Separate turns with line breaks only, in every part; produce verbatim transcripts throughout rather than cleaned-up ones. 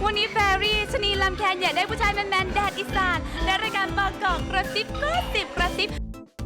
วันนี้แฟรี่ชนีลำแคนอยากได้ผู้ชายแมนๆแดดอีสานและรายการบางกอกกระซิบก็สิบกระซิบ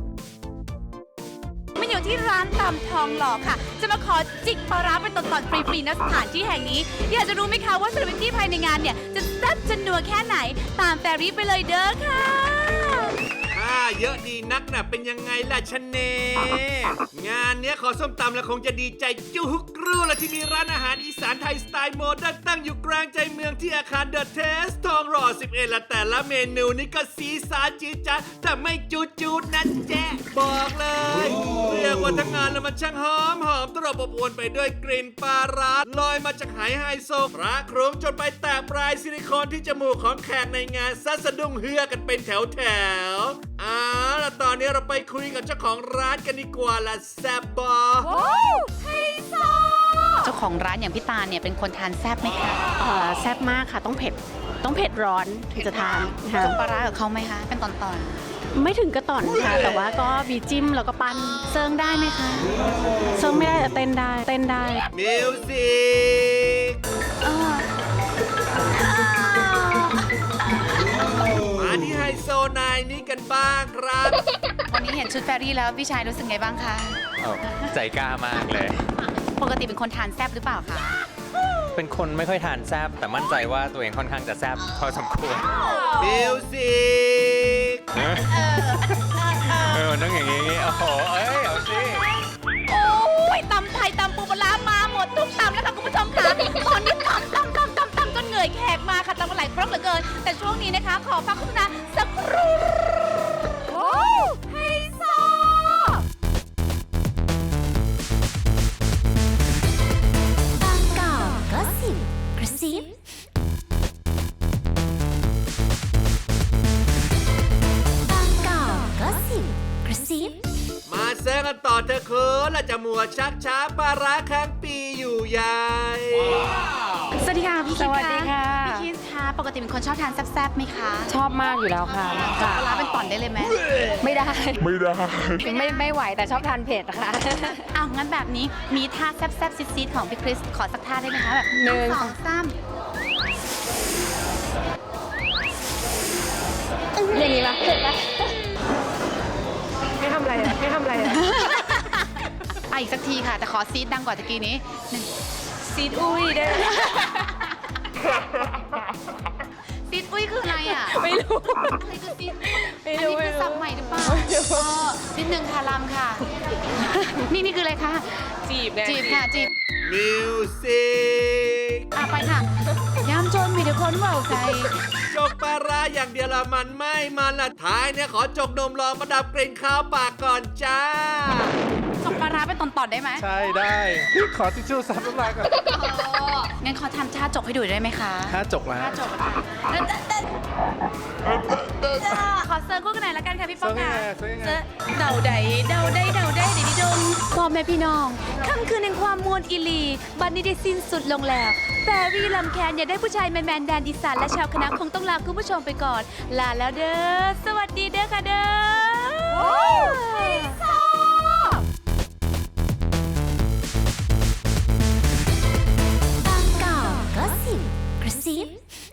มันอยู่ที่ร้านตำทองหล่อค่ะจะมาขอจิกปลาร้าเป็นตอนๆฟรีๆณสถานที่แห่งนี้อยากจะรู้ไหมคะว่าเซเลบริตี้ภายในงานเนี่ยจะแซ่บจะนัวแค่ไหนตามแฟรี่ไปเลยเด้อค่ะ
ถ้าเยอะดีนักน่ะเป็นยังไงล่ะชะเนงานเนี้ยขอส้มตำแล้วคงจะดีใจจุกรู้ละที่มีร้านอาหารอีสานไทยสไตล์โมเดิร์นตั้งอยู่กลางใจเมืองที่อาคารเดอะเทสทองหล่อสิบเอ็ดละแต่ละเมนูนี่ก็สีสานจีดจ๊าดแต่ไม่จูดจูดนะแจ๊บอกเลยเรียกว่าทั้งงานแล้วมันช่างหอมหอมตลบอบอวนไปด้วยกลิ่นปลาร้าลอยมาจากไหไฮโซพระโครงจนไปแตะปลายซิลิโคนที่จมูกของแขกในงานซัดสะดุ้งเฮือกันเป็นแถวแถวอ่าแล้วตอนนี้เราไปคุยกับเจ้าของร้านกันดีกว่าละแซบบอไฮโซ
เจ้าของร้านอย่างพี่ตาลเนี่ยเป็นคนทานแซ่บไหมคะ
เอ่อแซ่บมากค่ะต้องเผ็ดต้องเผ็ดร้อนถึงจะทานค่ะ
จุ่มปลาร้ากับเขาไหมคะเป็นตอนๆ
ไม่ถึงกระต่อนค่ะแต่ว่าก็มีจิ้มแล้วก็ปั้นเซิร์งได้ไหมคะเซิร์งไม่ได้แต่เต้นได้เต้นได้
มิวสิกมาที่ไฮโซนายนี้กันบ้างครับ
วันนี้เห็นชุดแฟรี่แล้วพี่ชายรู้สึกไงบ้างคะ
ใจกล้ามากเลย
ปกติเป็นคนทานแซ่บหรือเปล่าคะ
เป็นคนไม่ค่อยทานแซบแต่มั่นใจว่าตัวเองค่อนข้างจะแซบพอสมควร
มิวสิก
เออต้องอย่างงี้โอ้โหเอ้ยเอาสิ
โอ้ยตำไทยตำปูปลาร้ามาหมดทุกตำแล้วค่ะคุณผู้ชมค่ะตอนนี้ตำตำตำตำตำจนเหนื่อยแขกมาค่ะตำกันหลายครั้งเหลือเกินแต่ช่วงนี้นะคะขอฟังโฆษณาสักครู่โอ้ไฮโซ
บางกอกก็สิบกระซิบางกอกก็สิบกระซิบ
มาเซิร์ฟกันต่อเธอะคือและจะมัวชักช้าปลาร้าค้างปีอยู่ใหญ่
สวัสดีค่ะพี่คิด
สวัสดีค่ะ
พี่คิดคะปกติเป็นคนชอบทานแซ่บๆไหมคะ
ชอบมากอยู่แล้วค่ะ
ปลาร้าเป็นต่อนได้เลยไหม
ไม่ได้ไม่ได้ไม่ไม่ไหวแต่ชอบทานเผ็ดค่ะ
อ้าวงั้นแบบนี้มีท่าแซ่บๆซิดๆของพี่คริสขอสักท่าได้ไหมคะแบบ
หนึ่ง
สองสาม
อย่างนี้ปะเผ็ดปะไม่ทำอะไรอะไม่ทำอะไรอะ
อ่ะอีกสักทีค่ะ แต่ขอซีดดังกว่าตะกี้นี้หนึ่งซีดอุ้ยได้ไหมซีดอุ้ยคืออะไรอ่ะ
ไม่รู้
อะไรคือซีดอุ้ย
ไม่
อัน
รู้
นี้คือศัพท์ใหม่หรือเปล่าเออนิดนึงค่ะลำค่ะ นี่นี่คืออะไรคะ
จีบไง
จีบค่ะจีบ
มิวสิก
อ่ะไปค่ะย้ำจนมีแต่คนเว่าใจ
จกปลาร้าอย่างเดียวละมันไม่มันละท้ายเนี่ยขอจกนมลองมาดับกลิ่นข้าวปากก่อนจ้า
จกปลาร้าเป็นตอนๆได้ไหม
ใช่ได้ขอทิชชู่ซับน้ำลายก่อน
อ๋องั้นขอทำท่าจกให้ดูได้ไหมคะ
ถ้าจกแล้ว
ท่าจกค่ะขอเซิร์ฟคู่กันหน่อยละกันค่ะพี่ป้องค่ะ
เซิร์ฟยังไง
เซิร์ฟเดาใดเดาได้เดาได้เดี๋ยวนี้ดงพ่อแม่พี่น้องค่ำคืนแห่งความมวลอิลีบัดนี้ได้สิ้นสุดลงแล้วแฟรี่ลำแคนอยากได้ผู้ชายแมนๆแดนอีสานและชาวคณะคงต้องลาคุณผู้ชมไปก่อน ลาแล้วเด้อ สวัสดีเด้อค่ะเด้อไฮโซ
บางกอกก็สิบกระซิบ